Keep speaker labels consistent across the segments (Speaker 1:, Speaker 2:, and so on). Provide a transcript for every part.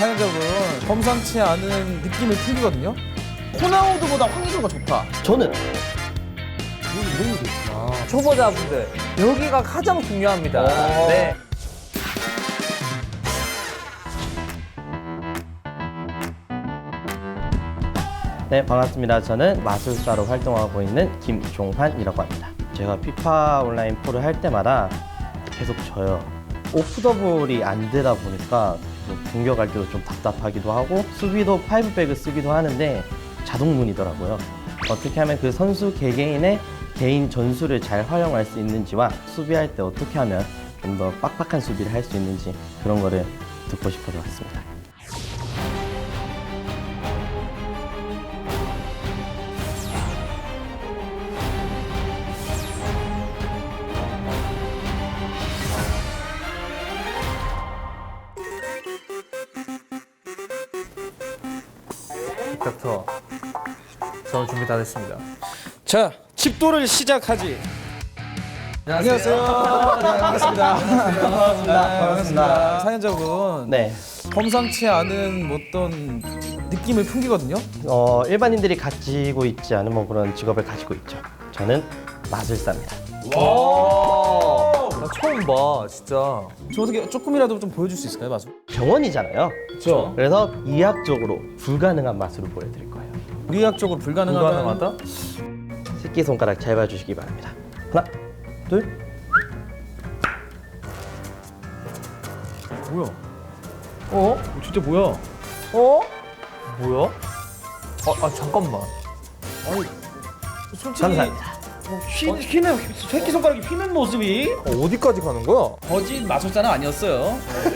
Speaker 1: 상현적은 범상치 않은 느낌을 풍기거든요. 호나우두보다 황의조가 좋다.
Speaker 2: 저는
Speaker 3: 초보자분들 여기가 가장 중요합니다. 네.
Speaker 2: 네, 반갑습니다. 저는 마술사로 활동하고 있는 김종환이라고 합니다. 제가 피파 온라인 프로를 할 때마다 계속 져요. 오프 더블이 안 되다 보니까 공격할 때도 좀 답답하기도 하고 수비도 파이브백을 쓰기도 하는데 자동문이더라고요. 어떻게 하면 그 선수 개개인의 개인 전술을 잘 활용할 수 있는지와 수비할 때 어떻게 하면 좀 더 빡빡한 수비를 할 수 있는지 그런 거를 듣고 싶어서 왔습니다.
Speaker 3: 닥터, 저는 준비 다 됐습니다.
Speaker 1: 자, 집도를 시작하지. 안녕하세요. 네, 반갑습니다. 반갑습니다. 상현적은
Speaker 2: 네.
Speaker 1: 범상치 않은 어떤 느낌을 풍기거든요.
Speaker 2: 일반인들이 가지고 있지 않은 뭐 그런 직업을 가지고 있죠. 저는 마술사입니다.
Speaker 3: 나 처음 봐, 진짜.
Speaker 1: 저 어떻게 조금이라도 좀 보여줄 수 있을까요, 마술?
Speaker 2: 병원이잖아요.
Speaker 1: 그렇죠.
Speaker 2: 그래서 이학적으로 불가능한 마술을 보여드릴 거예요.
Speaker 1: 의학적으로 불가능하다.
Speaker 3: 불가능하다?
Speaker 2: 새끼손가락 잘 봐주시기 바랍니다. 하나, 둘.
Speaker 1: 뭐야?
Speaker 3: 어?
Speaker 1: 진짜 뭐야?
Speaker 3: 어? 뭐야? 잠깐만.
Speaker 1: 아니, 솔직히
Speaker 2: 감사합니다.
Speaker 1: 휘는 새끼손가락이 휘는 모습이
Speaker 3: 어디까지 가는 거야?
Speaker 1: 거짓 마술사는 아니었어요.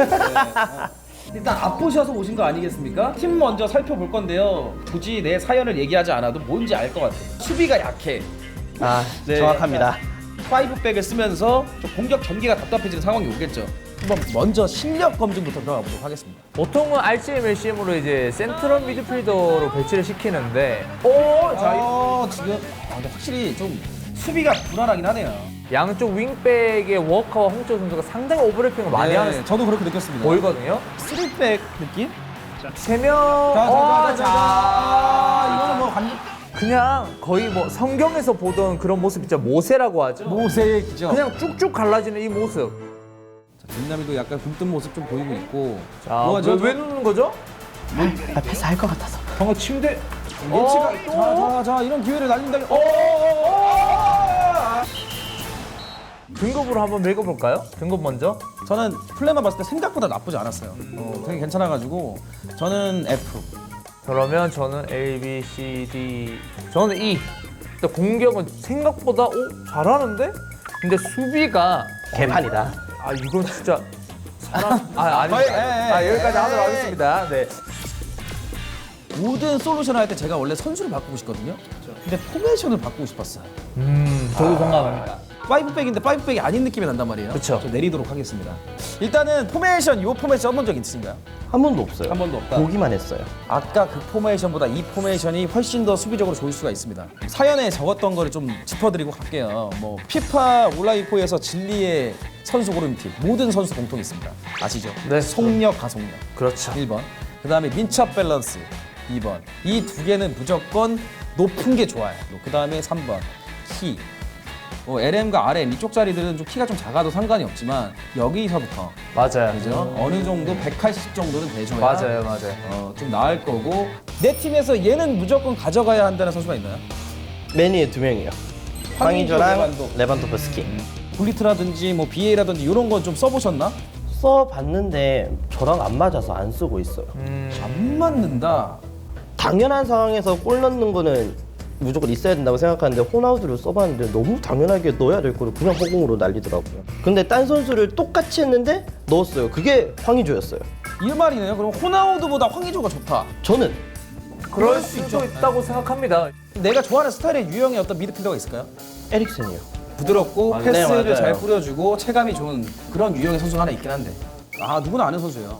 Speaker 1: 일단 앞보셔서 오신 거 아니겠습니까? 팀 먼저 살펴볼 건데요. 굳이 내 사연을 얘기하지 않아도 뭔지 알 것 같아요. 수비가 약해.
Speaker 2: 아,
Speaker 1: 네.
Speaker 2: 정확합니다.
Speaker 1: 파이브백을 쓰면서 좀 공격 전개가 답답해지는 상황이 오겠죠. 한번 먼저 실력 검증부터 들어가 보도록 하겠습니다.
Speaker 3: 보통은 RCM, LCM으로 이제 센트럴 미드필더로 배치를 시키는데,
Speaker 1: 지금 근데 확실히 좀 수비가 불안하긴 하네요.
Speaker 3: 양쪽 윙백의 워커와 홍철 선수가 상당히 오버래핑을 많이 하는
Speaker 1: 저도 그렇게 느꼈습니다.
Speaker 3: 보이거든요.
Speaker 1: 3백 느낌?
Speaker 3: 세 명.
Speaker 1: 이거는 뭐 완전
Speaker 3: 그냥 거의 뭐 성경에서 보던 그런 모습 있죠. 모세라고 하죠.
Speaker 1: 모세의 기적.
Speaker 3: 그냥 쭉쭉 갈라지는 이 모습.
Speaker 1: 김남이도 약간 굶뜬 모습 좀 보이고 있고.
Speaker 3: 자,
Speaker 1: 뭐하죠?
Speaker 3: 왜 누르는 거죠?
Speaker 2: 아, 패스할 것 같아서.
Speaker 3: 방금 침대.
Speaker 1: 예치가 자 이런 기회를 날린다.
Speaker 3: 등급으로 한번 읽어볼까요? 등급 먼저.
Speaker 1: 저는 플레이만 봤을 때 생각보다 나쁘지 않았어요. 되게 괜찮아가지고 저는 F.
Speaker 3: 그러면 저는 A, B, C, D. 저는 E. 일단 공격은 생각보다 잘하는데? 근데 수비가
Speaker 2: 개판이다.
Speaker 3: 이건 진짜 사람 아닙니다. 여기까지 하도록 하겠습니다. 네.
Speaker 1: 모든 솔루션을 할 때 제가 원래 선수를 바꾸고 싶거든요. 근데 포메이션을 바꾸고 싶었어요.
Speaker 3: 저도 공감합니다.
Speaker 1: 파이브백인데 파이브백이 아닌 느낌이 난단 말이에요.
Speaker 3: 그쵸.
Speaker 1: 저 내리도록 하겠습니다. 일단은 포메이션, 이 포메이션 써본 적 있으신가요?
Speaker 2: 한 번도 없어요.
Speaker 1: 한 번도 없다.
Speaker 2: 보기만 했어요.
Speaker 1: 아까 그 포메이션보다 이 포메이션이 훨씬 더 수비적으로 좋을 수가 있습니다. 사연에 적었던 거를 좀 짚어드리고 갈게요. 뭐 피파 온라인4에서 진리의 선수 고르는 팀 모든 선수 공통이 있습니다. 아시죠?
Speaker 3: 네.
Speaker 1: 속력, 가속력.
Speaker 3: 그렇죠.
Speaker 1: 1번. 그 다음에 민첩 밸런스 2번. 이 두 개는 무조건 높은 게 좋아요. 그 다음에 3번. 키. LM과 RM 이쪽 자리들은 좀 키가 좀 작아도 상관이 없지만 여기서부터
Speaker 3: 맞아요.
Speaker 1: 그죠? 어느 정도 180 정도는 돼줘야
Speaker 3: 맞아요.
Speaker 1: 좀 나을 거고 내 팀에서 얘는 무조건 가져가야 한다는 선수가 있나요?
Speaker 2: 맨위에 2명이요.
Speaker 1: 황의조,
Speaker 2: 황의조랑 레반도프스키.
Speaker 1: 굴리트라든지 뭐 BA라든지 이런 건 좀 써보셨나?
Speaker 2: 써봤는데 저랑 안 맞아서 안 쓰고 있어요.
Speaker 1: 안 맞는다.
Speaker 2: 당연한 상황에서 골 넣는 거는 무조건 있어야 된다고 생각하는데 호나우두를 써봤는데 너무 당연하게 넣어야 될 거를 그냥 허공으로 날리더라고요. 근데 딴 선수를 똑같이 했는데 넣었어요. 그게 황의조였어요.
Speaker 1: 이 말이네요. 그럼 호나우두보다 황의조가 좋다.
Speaker 2: 저는
Speaker 3: 그럴 수도 있다고 생각합니다.
Speaker 1: 내가 좋아하는 스타일의 유형의 어떤 미드필더가 있을까요?
Speaker 2: 에릭슨이요.
Speaker 1: 부드럽고
Speaker 2: 네,
Speaker 1: 패스를
Speaker 2: 맞아요.
Speaker 1: 잘 뿌려주고 체감이 좋은 그런 유형의 선수가 하나 있긴 한데 누구나 아는 선수예요.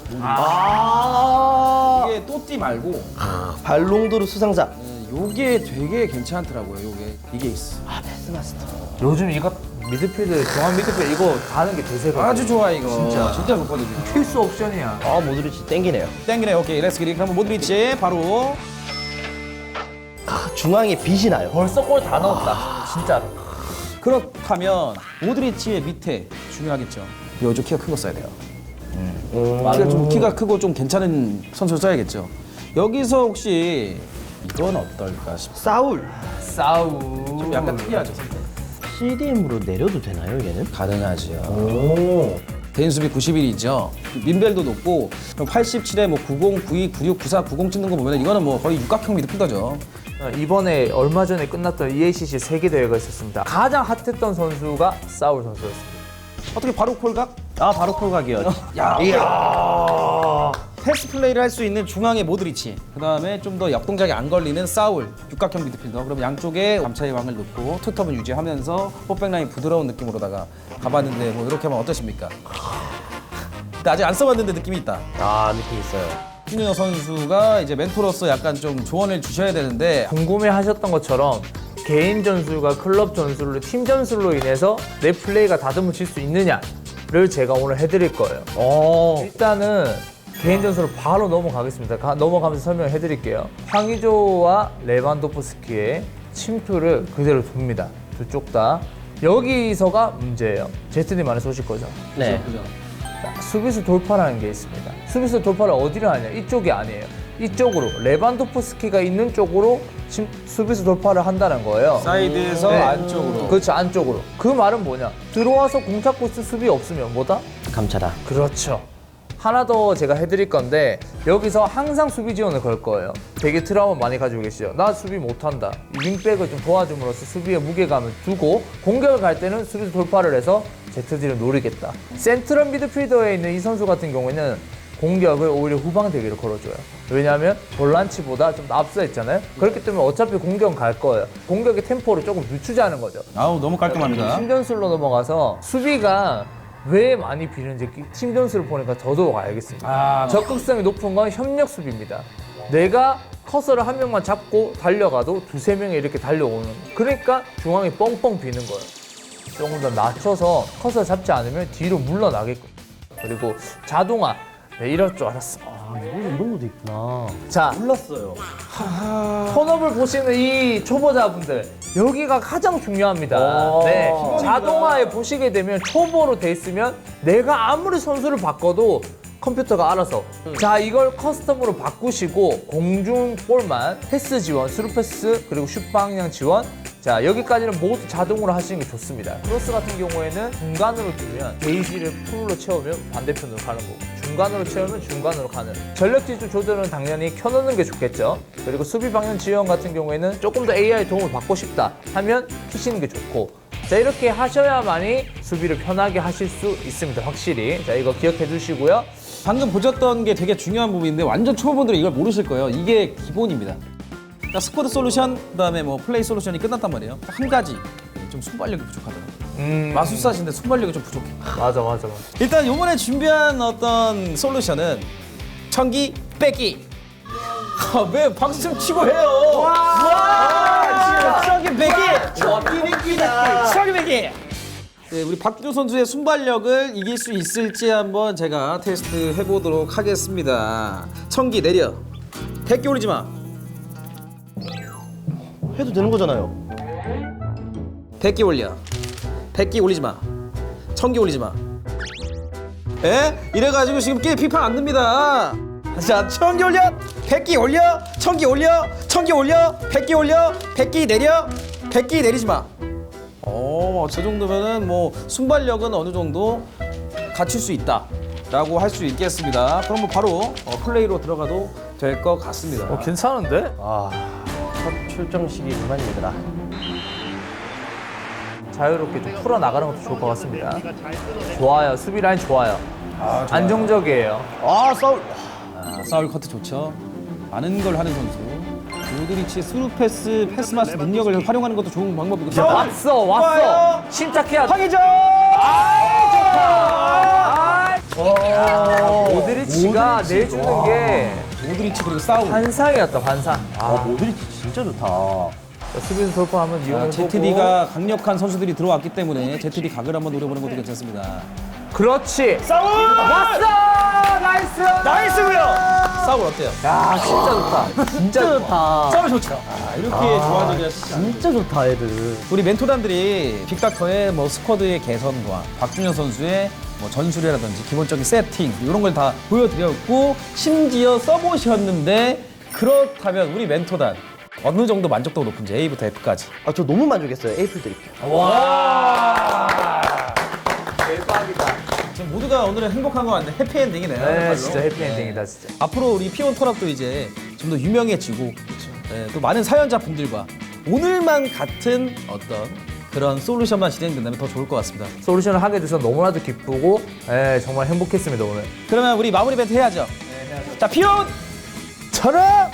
Speaker 1: 이게 또띠 말고
Speaker 2: 발롱도르 수상자.
Speaker 1: 요게 되게 괜찮더라고요. 이게 있어.
Speaker 2: 패스마스터.
Speaker 3: 요즘 이거 미드필드, 중앙 미드필드 이거 가는 게 대세거든요.
Speaker 1: 아주 좋아 이거.
Speaker 3: 진짜.
Speaker 1: 진짜 좋거든요.
Speaker 3: 필수 옵션이야.
Speaker 2: 아, 모드리치 땡기네요.
Speaker 1: 땡기네. 오케이, 렛츠 기릿. 그럼 모드리치 바로.
Speaker 2: 중앙에 빛이 나요.
Speaker 3: 벌써 골 다 넣었다. 진짜로.
Speaker 1: 그렇다면 모드리치의 밑에 중요하겠죠. 요즘 키가 큰 거 써야 돼요. 키가 크고 좀 괜찮은 선수를 써야겠죠. 여기서 혹시 이건 어떨까 싶어요.
Speaker 2: 사울.
Speaker 3: 싸우.
Speaker 1: 좀 약간 특이하죠.
Speaker 2: CDM으로 내려도 되나요, 얘는?
Speaker 1: 가능하죠.
Speaker 2: 오.
Speaker 1: 대인 수비 91이죠. 민벨도 높고 87에 뭐 90, 92, 96, 94, 90 찍는 거 보면 이거는 뭐 거의 육각형 미드필더죠.
Speaker 3: 이번에 얼마 전에 끝났던 EACC 세계 대회가 있었습니다. 가장 핫했던 선수가 사울 선수였습니다.
Speaker 1: 어떻게 바로 콜각?
Speaker 2: 아, 바로 콜각이요.
Speaker 1: 야, 패스 플레이를 할 수 있는 중앙의 모드리치, 그 다음에 좀 더 역동작이 안 걸리는 사울, 육각형 미드필더. 그럼 양쪽에 감차의 왕을 넣고 투톱은 유지하면서 포백 라인 부드러운 느낌으로다가 가봤는데 뭐 이렇게 하면 어떠십니까? 근데 아직 안 써봤는데 느낌이 있다.
Speaker 2: 아, 느낌 있어요.
Speaker 1: 신윤호 선수가 이제 멘토로서 약간 좀 조언을 주셔야 되는데
Speaker 3: 궁금해 하셨던 것처럼 개인 전술과 클럽 전술로 팀 전술로 인해서 내 플레이가 다듬어질 수 있느냐를 제가 오늘 해드릴 거예요. 일단은 개인 전술로 바로 넘어가겠습니다. 넘어가면서 설명을 해드릴게요. 황의조와 레반도프스키의 침투를 그대로 둡니다. 두 쪽 다. 여기서가 문제예요. 제트님 안에 쏘실 거죠?
Speaker 2: 네.
Speaker 3: 자, 수비수 돌파라는 게 있습니다. 수비수 돌파를 어디로 하냐? 이쪽이 아니에요. 이쪽으로 레반도프스키가 있는 쪽으로 수비수 돌파를 한다는 거예요.
Speaker 1: 사이드에서
Speaker 3: 네.
Speaker 1: 안쪽으로.
Speaker 3: 그렇죠, 안쪽으로. 그 말은 뭐냐? 들어와서 공 잡고 있을 수비 없으면 뭐다?
Speaker 2: 감차다.
Speaker 3: 그렇죠. 하나 더 제가 해드릴 건데 여기서 항상 수비 지원을 걸 거예요. 되게 트라우마 많이 가지고 계시죠. 나 수비 못한다. 윙백을 좀 도와줌으로써 수비에 무게감을 두고 공격을 갈 때는 수비 돌파를 해서 ZD를 노리겠다. 센트럴 미드필더에 있는 이 선수 같은 경우에는 공격을 오히려 후방 대기로 걸어줘요. 왜냐하면 볼란치보다 좀 앞서 있잖아요. 그렇기 때문에 어차피 공격은 갈 거예요. 공격의 템포를 조금 늦추자는 거죠.
Speaker 1: 아우 너무 깔끔합니다.
Speaker 3: 팀 전술로 넘어가서 수비가 왜 많이 비는지 팀 전술을 보니까 더더욱 알겠습니다. 적극성이 높은 건 협력 수비입니다. 내가 커서를 한 명만 잡고 달려가도 두세 명이 이렇게 달려오는, 그러니까 중앙이 뻥뻥 비는 거예요. 조금 더 낮춰서 커서 잡지 않으면 뒤로 물러나게끔. 그리고 자동화. 네, 이럴 줄 알았어.
Speaker 2: 아, 이런 것도 있구나.
Speaker 3: 자,
Speaker 2: 몰랐어요.
Speaker 3: 턴업을 보시는 이 초보자분들, 여기가 가장 중요합니다. 네, 자동화에 보시게 되면 초보로 돼 있으면 내가 아무리 선수를 바꿔도 컴퓨터가 알아서. 자, 이걸 커스텀으로 바꾸시고 공중볼만 패스 지원, 스루 패스, 그리고 슛 방향 지원. 자, 여기까지는 모두 자동으로 하시는 게 좋습니다. 크로스 같은 경우에는 중간으로 뜨면 게이지를 풀로 채우면 반대편으로 가는 거고, 중간으로 채우면 중간으로 가는. 전력 지수 조절은 당연히 켜놓는 게 좋겠죠. 그리고 수비 방향 지원 같은 경우에는 조금 더 AI 도움을 받고 싶다 하면 키시는 게 좋고, 자, 이렇게 하셔야만이 수비를 편하게 하실 수 있습니다. 확실히. 자, 이거 기억해 두시고요.
Speaker 1: 방금 보셨던 게 되게 중요한 부분인데 완전 초보분들은 이걸 모르실 거예요. 이게 기본입니다. 그러니까 스쿼드 솔루션, 그다음에 뭐 플레이 솔루션이 끝났단 말이에요. 한 가지 좀 순발력이 부족하더라고요. 마술사신데 순발력이 좀 부족해.
Speaker 3: 맞아.
Speaker 1: 일단 이번에 준비한 어떤 솔루션은 청기 빼기. 왜 박수 좀 치고 해요? 와, 청기 빼기.
Speaker 2: 와, 삐리삐다.
Speaker 1: 청기 빼기. 네, 우리 박규 선수의 순발력을 이길 수 있을지 한번 제가 테스트 해보도록 하겠습니다. 청기 내려. 100개 올리지 마.
Speaker 2: 해도 되는 거잖아요.
Speaker 1: 100개 올려. 100개 올리지 마. 1000개 올리지 마. 에? 이래가지고 지금 게임 피파 안 듭니다. 자, 1000개 올려. 100개 올려. 1000개 올려. 1000개 올려. 100개 올려. 100개 내려. 100개 내리지 마. 저 정도면은 뭐 순발력은 어느 정도 갖출 수 있다라고 할 수 있겠습니다. 그럼 뭐 바로 플레이로 들어가도 될 것 같습니다.
Speaker 3: 괜찮은데?
Speaker 2: 아, 첫 출정식이 그만이더라.
Speaker 3: 자유롭게 좀 풀어나가는 것도 좋을 것 같습니다. 좋아요. 수비 라인 좋아요. 안정적이에요.
Speaker 2: 아, 사울.
Speaker 1: 사울 커트 좋죠. 많은 걸 하는 선수. 모드리치의 스루 패스, 패스마스 능력을 활용하는 것도 좋은 방법이고.
Speaker 3: 왔어. 침착해야 돼.
Speaker 1: 황의조!
Speaker 3: 모드리치가 내주는 게
Speaker 1: 모드리치 그리고 사울.
Speaker 3: 환상이었다, 환상.
Speaker 2: 아, 모드리치 진짜 좋다.
Speaker 3: 수비수 돌파 한번 이용해보고.
Speaker 1: ZD가 강력한 선수들이 들어왔기 때문에 ZD 각을 한번 노려보는 것도 괜찮습니다.
Speaker 3: 그렇지.
Speaker 1: 싸울!
Speaker 3: 왔어! 나이스!
Speaker 1: 나이스고요. 싸울 어때요?
Speaker 3: 야, 진짜 좋다. 진짜 좋다.
Speaker 1: 싸울 좋죠. 이렇게 좋아지기가
Speaker 2: 진짜 좋다 애들.
Speaker 1: 우리 멘토단들이 빅닥터의 뭐 스쿼드의 개선과 박준현 선수의 뭐 전술이라든지 기본적인 세팅 이런 걸 다 보여드렸고 심지어 써보셨는데 그렇다면 우리 멘토단 어느 정도 만족도가 높은지 A부터 F까지.
Speaker 2: 아, 저 너무 만족했어요. 에이플 드릴게요.
Speaker 3: 와! 대박이다.
Speaker 1: 지금 모두가 오늘은 행복한 것 같네. 해피엔딩이네요.
Speaker 3: 네, 진짜 해피엔딩이다, 진짜.
Speaker 1: 앞으로 우리 피온 턴업도 이제 좀 더 유명해지고 또 많은 사연자 분들과 오늘만 같은 어떤 그런 솔루션만 진행된다면 더 좋을 것 같습니다.
Speaker 3: 솔루션을 하게 돼서 너무나도 기쁘고, 예, 정말 행복했습니다, 오늘.
Speaker 1: 그러면 우리 마무리 멘트 해야죠. 네, 해야죠. 자, 피온!
Speaker 3: 철학!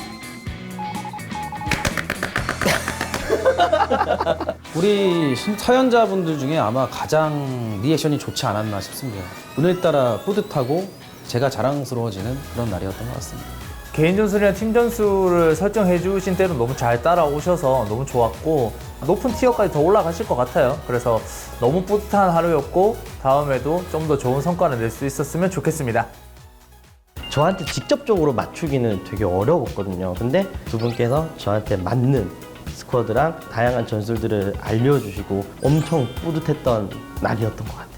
Speaker 1: 우리 사연자분들 중에 아마 가장 리액션이 좋지 않았나 싶습니다. 오늘따라 뿌듯하고 제가 자랑스러워지는 그런 날이었던 것 같습니다.
Speaker 3: 개인 전술이나 팀 전술을 설정해 주신 대로 너무 잘 따라오셔서 너무 좋았고 높은 티어까지 더 올라가실 것 같아요. 그래서 너무 뿌듯한 하루였고 다음에도 좀 더 좋은 성과를 낼 수 있었으면 좋겠습니다.
Speaker 2: 저한테 직접적으로 맞추기는 되게 어려웠거든요. 근데 두 분께서 저한테 맞는 스쿼드랑 다양한 전술들을 알려주시고 엄청 뿌듯했던 날이었던 것 같아요.